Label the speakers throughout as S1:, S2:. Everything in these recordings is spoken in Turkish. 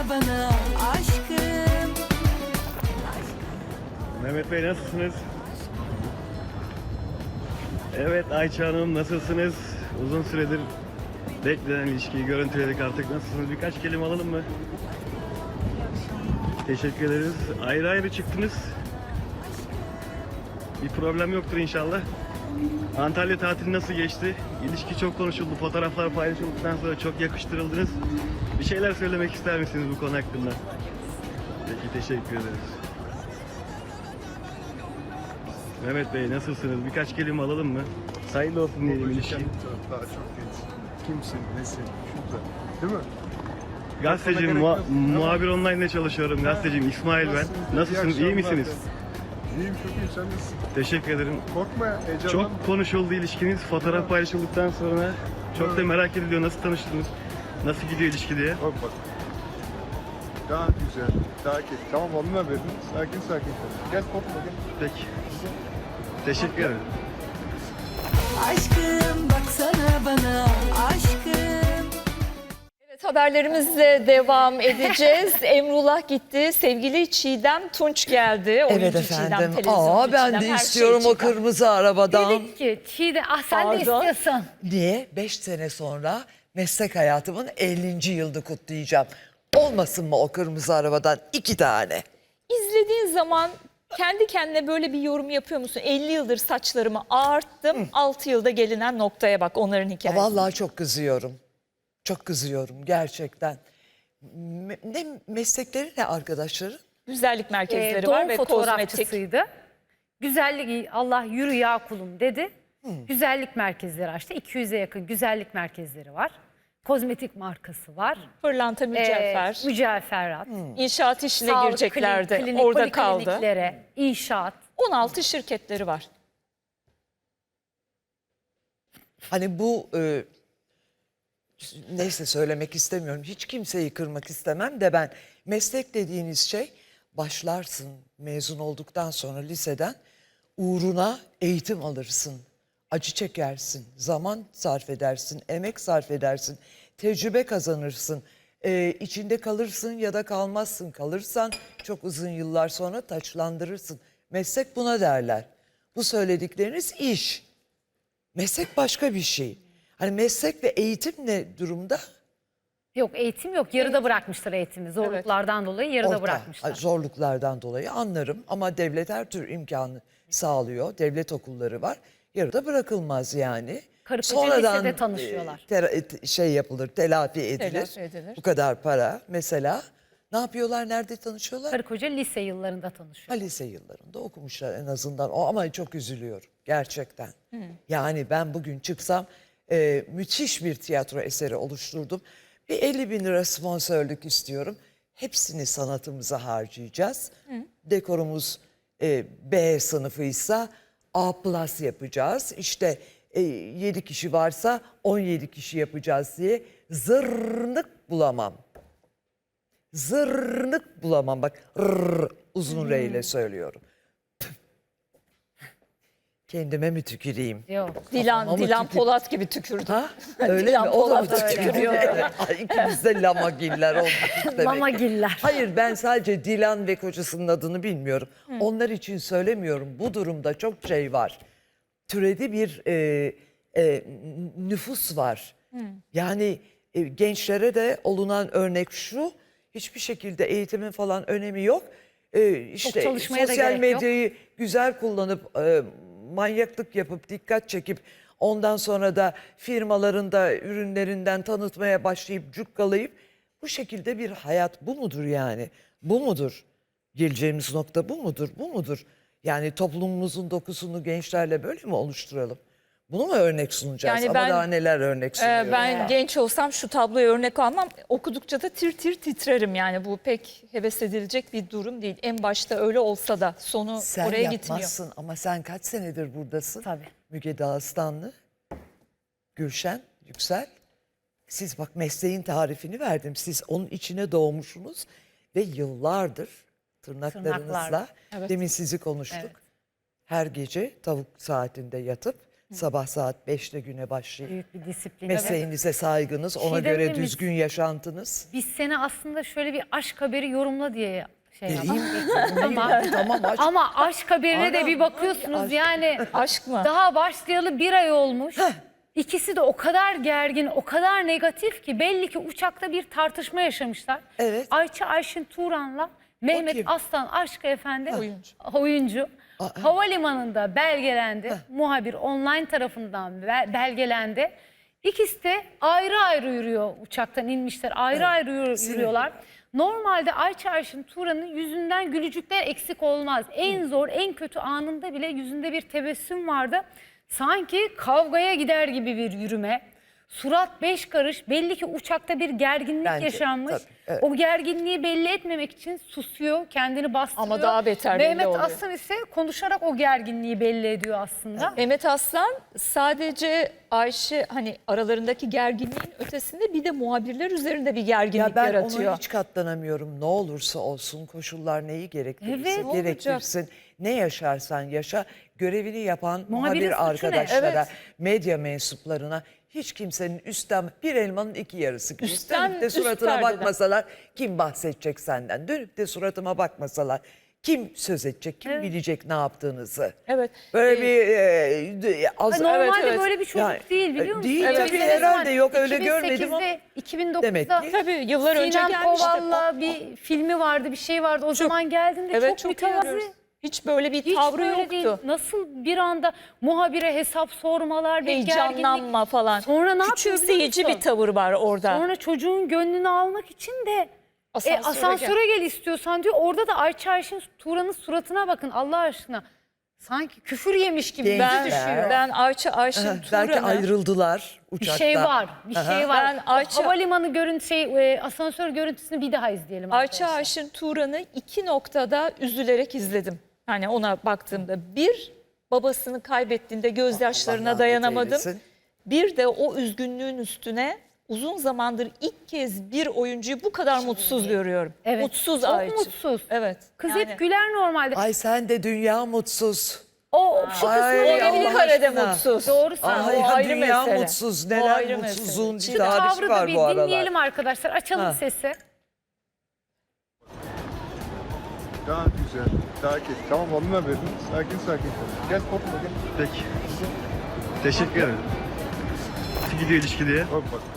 S1: bana aşkım.
S2: Mehmet Bey nasılsınız? Evet Ayça Hanım nasılsınız? Uzun süredir beklenen ilişkiyi görüntüledik artık. Nasılsınız? Birkaç kelime alalım mı? Teşekkür ederiz. Ayrı ayrı çıktınız. Bir problem yoktur inşallah. Antalya tatili nasıl geçti? İlişki çok konuşuldu. Fotoğraflar paylaşıldıktan sonra çok yakıştırıldınız. Bir şeyler söylemek ister misiniz bu konu hakkında? Peki teşekkür ederiz. Mehmet Bey nasılsınız? Birkaç kelime alalım mı? Hayırlı olsun diyelim ilişki.
S3: Daha çok genç. Kimsin, nesin, şurada. Değil mi?
S2: Gazeteciyim, muhabir online'da çalışıyorum. Gazeteciyim İsmail ben. Nasılsınız? İyi misiniz?
S3: İyiyim, çok iyi. Sen nasılsın?
S2: Teşekkür ederim.
S3: Korkma ya, heyecanlanma.
S2: Çok konuşuldu ilişkiniz. Fotoğraf paylaşıldıktan sonra çok da merak ediliyor. Nasıl tanıştınız? Nasıl gidiyor ilişki diye.
S3: Bak. Daha güzel, daha keyifli. Tamam, onunla verin. Sakin sakin konuş. Gel korkma, gel.
S2: Peki. Teşekkür ederim.
S1: Aşkım baksana bana aşkım.
S4: Evet, haberlerimizle devam edeceğiz. Emrullah gitti. Sevgili Çiğdem Tunç geldi.
S5: Evet
S4: Oyuncu Çiğdem,
S5: efendim.
S4: televizyoncu
S5: Ben
S4: Çiğdem,
S5: de
S4: her şey
S5: istiyorum o
S4: Çiğdem.
S5: kırmızı arabadan.
S6: Dedik ki Çiğdem sen de
S4: Pardon.
S6: istiyorsun.
S5: Niye? 5 sene sonra meslek hayatımın 50. yılını kutlayacağım. Olmasın mı o kırmızı arabadan 2 tane?
S4: İzlediğin zaman kendi kendine böyle bir yorum yapıyor musun? 50 yıldır saçlarımı ağarttım. 6 yılda gelinen noktaya bak, onların hikayesi.
S5: Vallahi çok kızıyorum. Çok kızıyorum gerçekten. Ne meslekleri ne arkadaşları?
S4: Güzellik merkezleri
S6: Doğum
S4: var ve kozmetik.
S6: fotoğrafçısıydı. Güzellik Allah yürü ya kulum dedi. Güzellik merkezleri açtı. 200'e yakın güzellik merkezleri var. Kozmetik markası var.
S4: Pırlanta mücevher.
S6: Mücevherat.
S4: İnşaat işine
S6: Sağlık
S4: gireceklerdi.
S6: klinik,
S4: Orada kaldı.
S6: polikliniklere, inşaat.
S4: 16 şirketleri var.
S5: Hani bu neyse söylemek istemiyorum. Hiç kimseyi kırmak istemem de ben meslek dediğiniz şey başlarsın mezun olduktan sonra liseden uğruna eğitim alırsın. Acı çekersin, zaman sarf edersin, emek sarf edersin, tecrübe kazanırsın. İçinde kalırsın ya da kalmazsın. Kalırsan çok uzun yıllar sonra taçlandırırsın. Meslek buna derler. Bu söyledikleriniz iş. Meslek başka bir şey. Hani meslek ve eğitim ne durumda?
S6: Yok eğitim yok. Yarıda bırakmışlar eğitimi. Zorluklardan dolayı yarıda
S5: Orta.
S6: bırakmışlar.
S5: Zorluklardan dolayı anlarım ama devlet her tür imkanı sağlıyor. Devlet okulları var. Yarıda bırakılmaz yani.
S6: Karı koca lisede tanışıyorlar.
S5: Şey yapılır, telafi edilir.
S4: Telafi edilir.
S5: Bu kadar para. Mesela ne yapıyorlar, nerede tanışıyorlar?
S6: Karı koca lise yıllarında tanışıyor.
S5: Lise yıllarında okumuşlar en azından. O ama çok üzülüyorum gerçekten. Yani ben bugün çıksam müthiş bir tiyatro eseri oluşturdum. Bir 50.000 lira sponsorluk istiyorum. Hepsini sanatımıza harcayacağız. Dekorumuz B sınıfıysa A plus yapacağız. İşte 7 kişi varsa 17 kişi yapacağız diye zırnık bulamam. Zırnık bulamam. Bak uzun R ile söylüyorum. Kendime mi tüküreyim?
S6: Yok.
S4: Dilan Polat gibi tükürdü.
S5: Ha? Öyle
S4: Dilan
S5: mi? O da mı
S4: Polat öyle.
S5: tükürüyor? Ay, İkimiz de lamagiller olduk demek.
S6: Lamagiller.
S5: Hayır ben sadece Dilan ve kocasının adını bilmiyorum. Onlar için söylemiyorum. Bu durumda çok şey var. Türedi bir nüfus var. Yani gençlere de olunan örnek şu. Hiçbir şekilde eğitimin falan önemi yok. İşte
S6: çalışmaya da
S5: sosyal
S6: gerek yok.
S5: medyayı güzel kullanıp manyaklık yapıp dikkat çekip ondan sonra da firmalarında ürünlerinden tanıtmaya başlayıp cukkalayıp bu şekilde bir hayat bu mudur yani? Bu mudur? Geleceğimiz nokta bu mudur? Bu mudur? Yani toplumumuzun dokusunu gençlerle böyle mi oluşturalım? Bunu mu örnek sunacağız?
S4: Yani
S5: Ama
S4: ben-
S5: daha neler örnek sunuyoruz?
S4: Ben genç olsam şu tabloya örnek almam. Okudukça da tir tir titrerim yani. Bu pek heves edilecek bir durum değil. En başta öyle olsa da sonu
S5: Sen
S4: oraya gitmiyor.
S5: yapmazsın ama sen kaç senedir buradasın?
S6: Tabii.
S5: Müge Dağıstanlı, Gülşen, Yüksel. Siz bak mesleğin tarifini verdim. Siz onun içine doğmuşsunuz ve yıllardır tırnaklarınızla
S6: Tırnaklar.
S4: Evet.
S5: demin sizi konuştuk.
S6: Evet.
S5: Her gece tavuk saatinde yatıp Sabah saat 5'te güne başlayıp
S6: Büyük bir disiplin.
S5: mesleğinize saygınız, ona
S6: Şey
S5: göre
S6: dememiş-
S5: düzgün yaşantınız.
S6: Biz seni aslında şöyle bir aşk haberi yorumla diye şey yaptık.
S5: Vereyim. Tamam aç.
S6: Ama aşk haberine de
S5: Ana,
S6: bir bakıyorsunuz
S5: aşk.
S6: yani
S4: Aşk mı?
S6: daha başlayalı 1 ay olmuş. İkisi de o kadar gergin, o kadar negatif ki belli ki uçakta bir tartışma yaşamışlar.
S5: Evet.
S6: Ayça Ayşin Turan'la Mehmet
S5: kim?
S6: Aslan Aşkı Efendi
S4: Oyuncu.
S6: havalimanında belgelendi. Muhabir online tarafından belgelendi. İkisi de ayrı ayrı yürüyor, uçaktan inmişler. Ayrı ayrı yürüyorlar. Normalde Ayça Ayşin Turan'ın yüzünden gülücükler eksik olmaz. En zor, en kötü anında bile yüzünde bir tebessüm vardı. Sanki kavgaya gider gibi bir yürüme. Surat 5 karış. Belli ki uçakta bir gerginlik
S5: Bence,
S6: yaşanmış.
S5: tabii, evet.
S6: O gerginliği belli etmemek için susuyor, kendini bastırıyor.
S4: Ama daha beter belli
S6: Mehmet
S4: oluyor.
S6: Aslan ise konuşarak o gerginliği belli ediyor aslında.
S4: Mehmet Aslan sadece Ayşe hani aralarındaki gerginliğin ötesinde bir de muhabirler üzerinde bir gerginlik
S5: Ya ben
S4: yaratıyor.
S5: ona hiç katlanamıyorum. Ne olursa olsun, koşullar neyi gerektirirse
S6: Evet.
S5: gerektirsin. Ne yaşarsan yaşa, görevini yapan
S6: Muhabirin
S5: muhabir
S6: suçu ne?
S5: arkadaşlara,
S4: Evet.
S5: medya mensuplarına hiç kimsenin üstten bir elmanın iki yarısı gibi.
S4: Üstten,
S5: Dönüp de
S4: üst
S5: suratına
S4: perdeden.
S5: bakmasalar kim bahsedecek senden? Dönüp de suratıma bakmasalar kim söz edecek, kim bilecek ne yaptığınızı?
S4: Evet.
S5: Böyle bir az
S6: Normalde
S4: evet.
S6: böyle bir çocuk
S5: Yani,
S6: değil biliyor musun?
S5: değil
S6: Evet.
S5: tabii,
S6: Biz de
S5: herhalde
S6: zaman
S5: yok, öyle görmedim ama
S6: 2008'de,
S5: demek
S6: 2009'da
S5: ki-
S4: Tabii yıllar önce
S6: Sinem
S4: gelmişti.
S6: Koval'la bir filmi vardı, bir şey vardı. O zaman geldiğinde
S4: Evet,
S6: çok
S4: çok iyi
S6: mütevazi.
S4: arıyoruz. Hiç böyle bir
S6: Hiç
S4: tavrı
S6: böyle
S4: yoktu.
S6: değil. Nasıl bir anda muhabire hesap sormalar, bir gerginlik.
S4: Heyecanlanma falan.
S6: Sonra ne yapıyor biliyor
S4: Küçümseyici
S6: musun?
S4: bir tavır var orada.
S6: Sonra çocuğun gönlünü almak için de
S4: Asansöre
S6: gel istiyorsan diyor. Orada da Ayça Ayşin Turan'ın suratına bakın Allah aşkına. Sanki küfür yemiş gibi
S5: Gençler.
S6: düşüyor.
S4: Ben Ayşin
S5: belki
S4: Turan'ı
S5: ayrıldılar
S6: Bir
S5: uçakta.
S6: şey var, bir şey var.
S4: Ben
S6: Havalimanı asansör görüntüsünü bir daha izleyelim.
S4: Ayça
S6: arkadaşlar.
S4: Ayşin Turan'ı 2 noktada üzülerek izledim. Hani ona baktığımda bir babasını kaybettiğinde gözyaşlarına
S5: rahmet
S4: dayanamadım.
S5: eylesin.
S4: Bir de o üzgünlüğün üstüne uzun zamandır ilk kez bir oyuncuyu bu kadar mutsuz görüyorum.
S6: Evet,
S4: Mutsuz
S6: çok
S4: Ayça.
S6: mutsuz.
S4: Evet.
S6: Kız
S4: yani
S6: hep güler normalde.
S5: Ay sen de dünya mutsuz.
S6: O şu kısmı
S5: Ay,
S6: olabilir.
S5: Allah
S4: bir karede
S5: aşkına.
S4: mutsuz.
S6: Doğru söylüyorsun.
S5: Ay
S4: o
S5: ha,
S4: ayrı
S5: dünya
S4: mesele.
S5: mutsuz.
S4: O
S5: Neler
S4: ayrı
S5: mutsuzun
S4: mesele.
S5: bir
S6: Şu
S5: tarifi
S6: tavrı da
S5: var
S6: bir
S5: bu aralar.
S6: dinleyelim arkadaşlar. Açalım
S5: Ha.
S6: sesi.
S3: Daha güzel, daha keyifli. Tamam alnına verin. Sakin sakin konuş. Gel korkma gel.
S2: Peki. Teşekkür ederim. Nasıl gidiyor ilişki diye?
S3: Bak bak.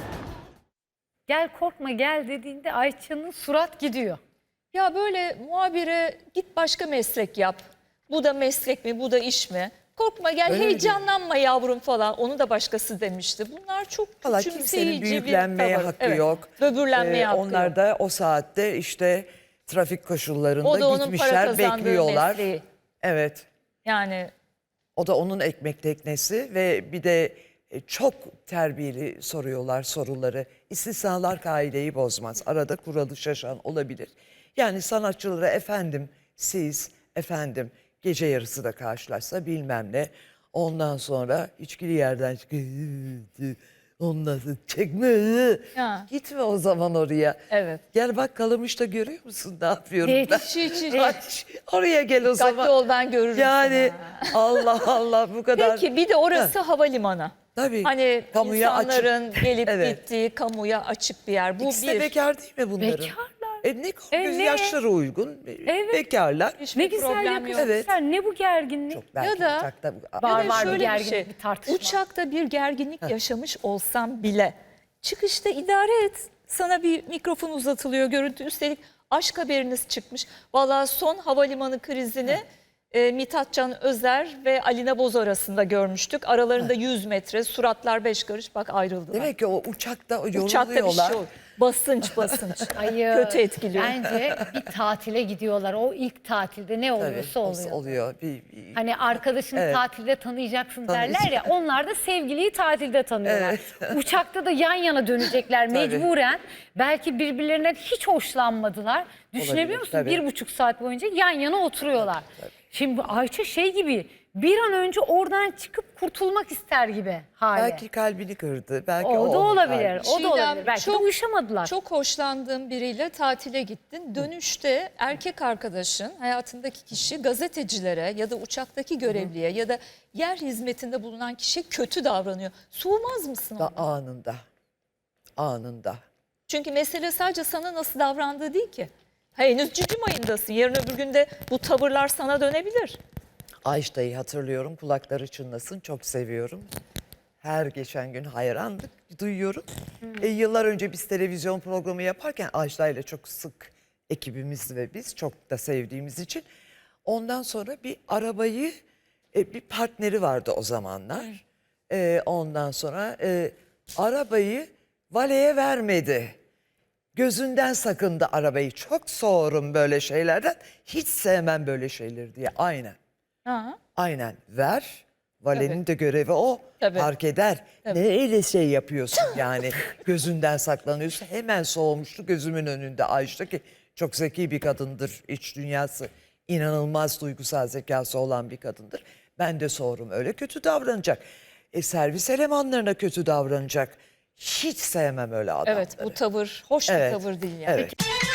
S6: Gel korkma gel dediğinde Ayça'nın surat gidiyor.
S4: Ya böyle muhabire git başka meslek yap. Bu da meslek mi, bu da iş mi? Korkma gel,
S5: Öyle mi
S4: heyecanlanma yavrum falan. Onu da başkası demişti. Bunlar çok
S5: Valla
S4: küçümseyici
S5: kimsenin
S4: bir
S5: büyüklenmeye
S4: tavır.
S5: hakkı
S4: Evet,
S5: yok.
S4: Böbürlenmeye hakkı
S5: Onlar
S4: yok.
S5: da o saatte işte trafik
S4: O
S5: koşullarında
S4: da onun para
S5: gitmişler,
S4: kazandığı
S5: bekliyorlar.
S4: mesleği.
S5: Evet.
S4: Yani
S5: O da onun ekmek teknesi ve bir de çok terbiyeli soruyorlar soruları. İstisnalar kaideyi bozmaz. Arada kuralı şaşan olabilir. Yani sanatçılara efendim siz, efendim gece yarısı da karşılaşsa bilmem ne. Ondan sonra içkili yerden çıkıyor. Ondan sonra çekme.
S4: Ha.
S5: Gitme o zaman oraya.
S4: Evet.
S5: Gel bak Kalamış'ta görüyor musun ne yapıyorum
S6: Evet.
S5: ben?
S4: hiç.
S5: Aç, oraya gel o zaman.
S4: Dikkatli ol, ben görürüm
S5: Yani
S4: seni.
S5: Allah Allah bu kadar.
S4: Peki bir de orası havalimanı.
S5: Tabii.
S4: Hani
S5: Kamuya açık.
S4: insanların gelip
S5: Evet.
S4: gittiği kamuya açık bir yer. Bu
S5: İkisi de
S4: bir.
S5: bekar değil mi bunların?
S6: Bekarlar.
S5: Ne göz
S6: ne?
S5: yaşları uygun.
S6: Evet.
S5: Bekarlar.
S4: Hiçbir
S6: Ne güzel
S4: problem yok.
S6: yakışmışlar. Ne bu gerginlik?
S5: Çok belki
S4: Ya da-
S5: uçakta
S6: Var,
S4: Ya da
S6: var, bir
S4: şöyle
S6: gerginlik, bir tartışma.
S4: Uçakta bir gerginlik yaşamış olsam bile çıkışta idare et. Sana bir mikrofon uzatılıyor, görüntü. Üstelik aşk haberiniz çıkmış. Vallahi son havalimanı krizini Mithat Can Özer ve Alina Boz arasında görmüştük. Aralarında 100 metre, suratlar 5 karış, bak ayrıldılar.
S5: Demek ki o uçakta yoruluyorlar.
S4: Uçakta bir şey olur. Basınç.
S6: Hayır.
S4: Kötü etkiliyor.
S6: Bence bir tatile gidiyorlar. O ilk tatilde ne
S5: Tabii,
S6: oluyorsa oluyor.
S5: oluyor.
S6: Hani arkadaşını
S5: Evet.
S6: tatilde tanıyacaksın
S5: Tanıyacak.
S6: derler ya. Onlar da sevgiliyi tatilde tanıyorlar. Uçakta da yan yana dönecekler mecburen. Belki birbirlerinden hiç hoşlanmadılar. Düşünebiliyor
S5: Olabilir,
S6: musun?
S5: tabii.
S6: 1,5 saat boyunca yan yana oturuyorlar. Şimdi Ayça şey gibi bir an önce oradan çıkıp kurtulmak ister gibi hali.
S5: Belki kalbini kırdı. Belki
S6: O da
S5: onun
S6: olabilir.
S5: kalbi.
S6: O da olabilir.
S4: Çiğdem,
S6: Belki de uyuşamadılar.
S4: Çok hoşlandığın biriyle tatile gittin. Dönüşte erkek arkadaşın, hayatındaki kişi gazetecilere ya da uçaktaki görevliye ya da yer hizmetinde bulunan kişiye kötü davranıyor. Soğumaz mısın
S5: Da
S4: ona?
S5: anında. Anında.
S4: Çünkü mesele sadece sana nasıl davrandığı değil ki. Henüz cicim ayındasın. Yarın öbür gün de bu tavırlar sana dönebilir.
S5: Ajda'yı hatırlıyorum. Kulakları çınlasın. Çok seviyorum. Her geçen gün hayranlık duyuyorum. Yıllar önce biz televizyon programı yaparken Ajda ile çok sık ekibimiz ve biz çok da sevdiğimiz için ondan sonra bir arabayı bir partneri vardı o zamanlar. Ondan sonra arabayı valeye vermedi. Gözünden sakındı arabayı. Çok soğurum böyle şeylerden. Hiç sevmem böyle şeyleri diye. Aynen.
S4: Ha.
S5: Aynen ver. Valenin
S4: Tabii.
S5: de görevi o.
S4: Tabii.
S5: Fark eder.
S4: Tabii.
S5: Ne öyle şey yapıyorsun yani. Gözünden saklanıyorsun. Hemen soğumuştu gözümün önünde Ayşe ki çok zeki bir kadındır. İç dünyası inanılmaz duygusal zekası olan bir kadındır. Ben de soğurum öyle kötü davranacak. Servis elemanlarına kötü davranacak. Hiç sevmem öyle adamları.
S4: Evet, bu tavır hoş bir
S5: Evet,
S4: tavır değil yani.
S5: evet.